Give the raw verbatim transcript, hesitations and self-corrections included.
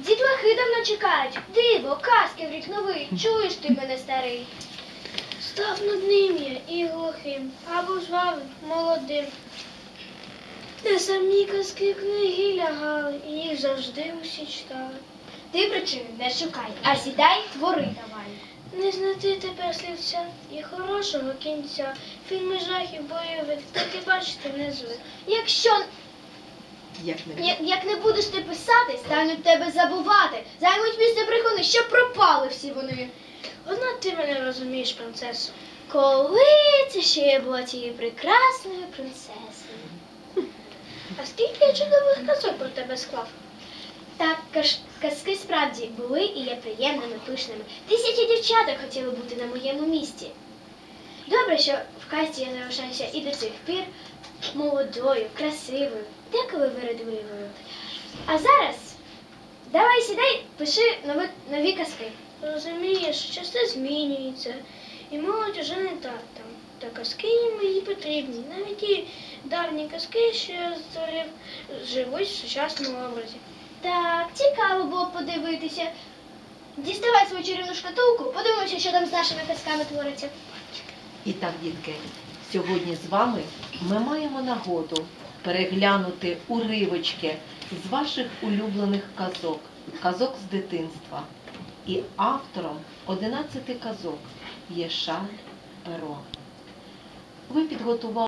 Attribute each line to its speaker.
Speaker 1: Дітлахи давно чекають. Диво, казки в рік новий. Чуєш ти мене, старий?
Speaker 2: Став нудним я і глухим, або жвавим, молодим. Де самі казки книги лягали, і їх завжди усі читали.
Speaker 1: Ти причини не шукай, а сідай, твори давай.
Speaker 2: Не знайти тепер слівця і хорошого кінця. Фільми жахів бойових, так і бачити не звик.
Speaker 1: Якщо
Speaker 3: Як не
Speaker 1: я- як не будеш ти писати, стануть тебе забувати. Займуть місце брехуни, що пропали всі вони.
Speaker 2: Одна ти мене розумієш, принцесо.
Speaker 1: Коли це ще я була тією прекрасною принцесою.
Speaker 2: А скільки я чудових казок про тебе склав?
Speaker 1: Так, каш- казки справді були і є приємними, пишними. Тисячі дівчаток хотіли бути на моєму місці. Добре, що в казці я залишаюся і до цих пір молодою, красивою, деколи вередливою. А зараз давай сідай, пиши нові, нові казки.
Speaker 2: Розумієш, часи змінюються, і молодь уже не та там. Та казки їм мої потрібні. Навіть ті давні казки, що я створив, живуть в сучасному образі.
Speaker 1: Так, цікаво було б подивитися. Діставай свою чарівну шкатулку, подивимося, що там з нашими казками твориться.
Speaker 3: І так, дітки, сьогодні з вами ми маємо нагоду переглянути уривочки з ваших улюблених казок, казок з дитинства. І автором одинадцяти казок є Шарль Перо. Ви підготували